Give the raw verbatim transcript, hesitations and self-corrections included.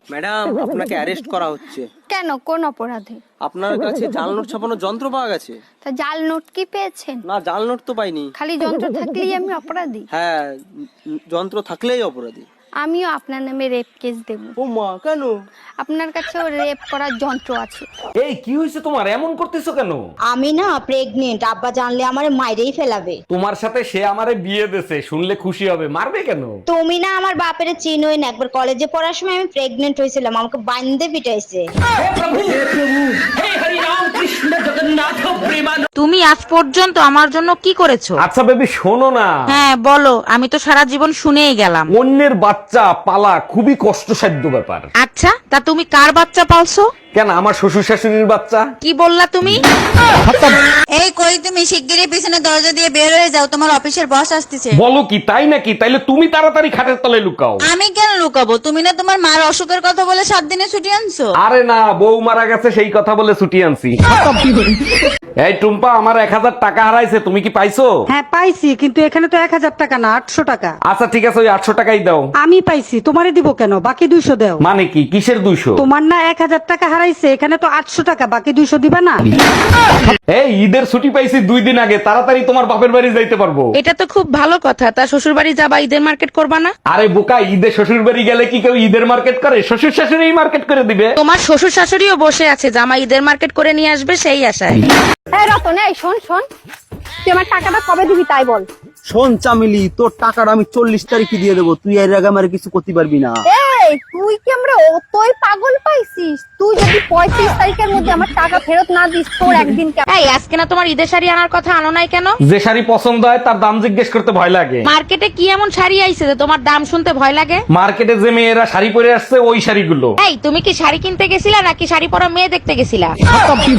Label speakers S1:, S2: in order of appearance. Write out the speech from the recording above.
S1: Madam, আপনাকে arrest করা হচ্ছে।
S2: কেন, কোন অপরাধে?
S1: আপনার কাছে জাল নোট ছাপানোর যন্ত্র পাওয়া গেছে।
S2: তা জাল নোট কি পেয়েছেন?
S1: না, জাল নোট তো পাইনি।
S2: খালি যন্ত্র থাকলেই আমি অপরাধী?
S1: হ্যাঁ, উম, যন্ত্র থাকলেই অপরাধী।
S2: আমিও আপনার নামে রেপ কেস দেব।
S1: ও মা, কেন?
S2: আপনার কাছেও রেপ করার যন্ত্র আছে।
S3: এই কি হয়েছে তোমার, এমন করতেছো কেন?
S4: আমি না প্রেগনেন্ট, আব্বা জানলে আমারে মাইরেই ফেলাবে।
S3: তোমার সাথে সে আমারে বিয়ে দেছে, শুনলে খুশি হবে, মারবে কেন?
S4: তুমি না আমার বাপের চিনোই না, একবার কলেজে পড়ার সময় আমি প্রেগনেন্ট হয়েছিলাম, আমাকে বান্ধে পিটাইছে।
S5: তুমি আজ পর্যন্ত আমার জন্য কি করেছো?
S3: আচ্ছা বেবি, শোনো না।
S5: হ্যাঁ বলো, আমি তো সারা জীবন শুনেই গেলাম।
S3: অন্যের বাচ্চা পালা খুবই কষ্টসাধ্য ব্যাপার।
S5: আচ্ছা, তা তুমি কার বাচ্চা পালছো?
S3: কেন, আমার শ্বশুর শাশুড়ির বাচ্চা।
S5: কি বললা তুমি?
S6: এই কই, তুমি শিগগিরই পিছনে দরজা দিয়ে বের হয়ে যাও, তোমার অফিসের বস আসতেছে।
S3: বলো কি, তাই নাকি? তাইলে তুমি তাড়াতাড়ি খাটের তলায় লুকাও।
S6: আমি কেন লুকাবো? তুমি না তোমার মার অসুখের কথা বলে সাত দিনে ছুটি আনছো।
S3: আরে না, বউ মারা গেছে সেই কথা বলে ছুটি আনছি। এই টুম্পা, আমার এক হাজার টাকা হারাইছে, তুমি কি পাইছো?
S7: হ্যাঁ পাইছি, কিন্তু এখানে তো এক হাজার টাকা না, আটশো টাকা।
S3: আচ্ছা ঠিক আছে, ওই আটশো টাকাই দাও।
S7: আমি পাইছি, তোমারে দিব কেন? বাকি দুইশো দাও।
S3: মানে কি, কিসের দুইশো?
S7: তোমার না এক হাজার টাকা হারাইছে, এখানে তো আটশো টাকা, বাকি দুইশো দিবা না?
S3: এই ঈদের ছুটি পাইছি দুই দিন আগে, তাড়াতাড়ি তোমার বাপের বাড়ি যাইতে পারবো।
S5: এটা তো খুব ভালো কথা। তা শ্বশুর বাড়ি যাবা, ঈদের মার্কেট করবা না?
S3: আরে বোকা, ঈদে শ্বশুর বাড়ি গেলে কি কেউ ঈদের মার্কেট করে? শ্বশুর শাশুড়ি মার্কেট করে দিবে।
S5: তোমার শ্বশুর শাশুড়িও বসে আছে, জামা ঈদের মার্কেট করে নিয়ে আসবে সেই আশায়।
S2: এই রতন, এই শোন শোন, তুই আমার টাকাটা কবে দিবি তাই বল।
S1: শোন চামেলি, তোর টাকাটা আমি চল্লিশ তারিখে দিয়ে দেবো, তুই এর আগে আমার কিছু করতে পারবি না।
S2: এই তুই কি আমরা অতই পাগল পাইছিস? তুই যদি পঁয়ত্রিশ তারিখের মধ্যে আমার টাকা ফেরত না দিস, তোর একদিন কে-
S5: এই আজকে না তোমার ঈদের শাড়ি আনার কথা, আনো নাই কেন?
S3: যে শাড়ি পছন্দ হয় তার দাম জিজ্ঞেস করতে ভয় লাগে।
S5: মার্কেটে কি এমন শাড়ি আইছে যে তোমার দাম শুনতে ভয় লাগে?
S3: মার্কেটে যে মেয়েরা শাড়ি পরে আসছে ওই শাড়িগুলো।
S5: এই তুমি কি শাড়ি কিনতে গেছিলা নাকি শাড়ি পরা মেয়ে দেখতে গেছিলা?